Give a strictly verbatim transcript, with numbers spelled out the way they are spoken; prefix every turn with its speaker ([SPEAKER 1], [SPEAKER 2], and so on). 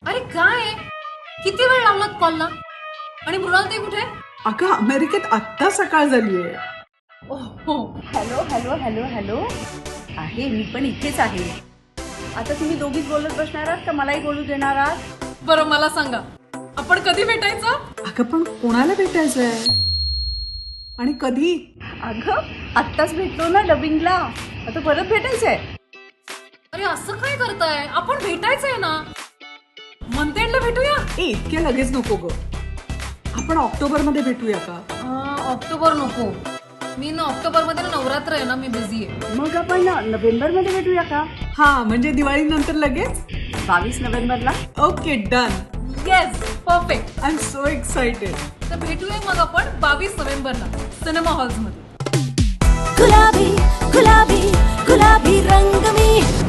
[SPEAKER 1] अरे काय किती वेळ लावलात कॉलला? आणि मृणाल ते कुठे?
[SPEAKER 2] अगं अमेरिकेत आत्ता सकाळ झालीये.
[SPEAKER 1] ओहो,
[SPEAKER 3] हॅलो हॅलो हॅलो हॅलो आहे, मी पण इथेच आहे. आता तुम्ही दोघीच बोलत बसणार आहात का मलाही बोलू देणार आहात?
[SPEAKER 1] बरं मला सांगा, आपण कधी भेटायचं?
[SPEAKER 2] अगं पण कोणाला भेटायचंय आणि कधी?
[SPEAKER 3] अगं आत्ताच भेटलो ना डबिंगला, आता परत भेटायचंय.
[SPEAKER 1] अरे असं काय करताय? आपण भेटायचंय ना, मंथ एंडला भेटूया.
[SPEAKER 2] ए इतक्या लगेच नको ग. आपण ऑक्टोबर मध्ये भेटूया का?
[SPEAKER 1] अं, ऑक्टोबर नको. मी ना ऑक्टोबर मध्ये ना नवरात्र आहे ना, मी बिझी आहे.
[SPEAKER 3] मग आपण नोव्हेंबर मध्ये भेटूया का?
[SPEAKER 2] हा म्हणजे दिवाळी नंतर लगेच.
[SPEAKER 3] बावीस नोव्हेंबरला.
[SPEAKER 2] Okay done.
[SPEAKER 1] Yes perfect.
[SPEAKER 2] I am so excited.
[SPEAKER 1] तर भेटूया मग आपण बावीस नोव्हेंबरला सिनेमा हॉल्स मध्ये.
[SPEAKER 4] गुलाबी गुलाबी गुलाबी रंग में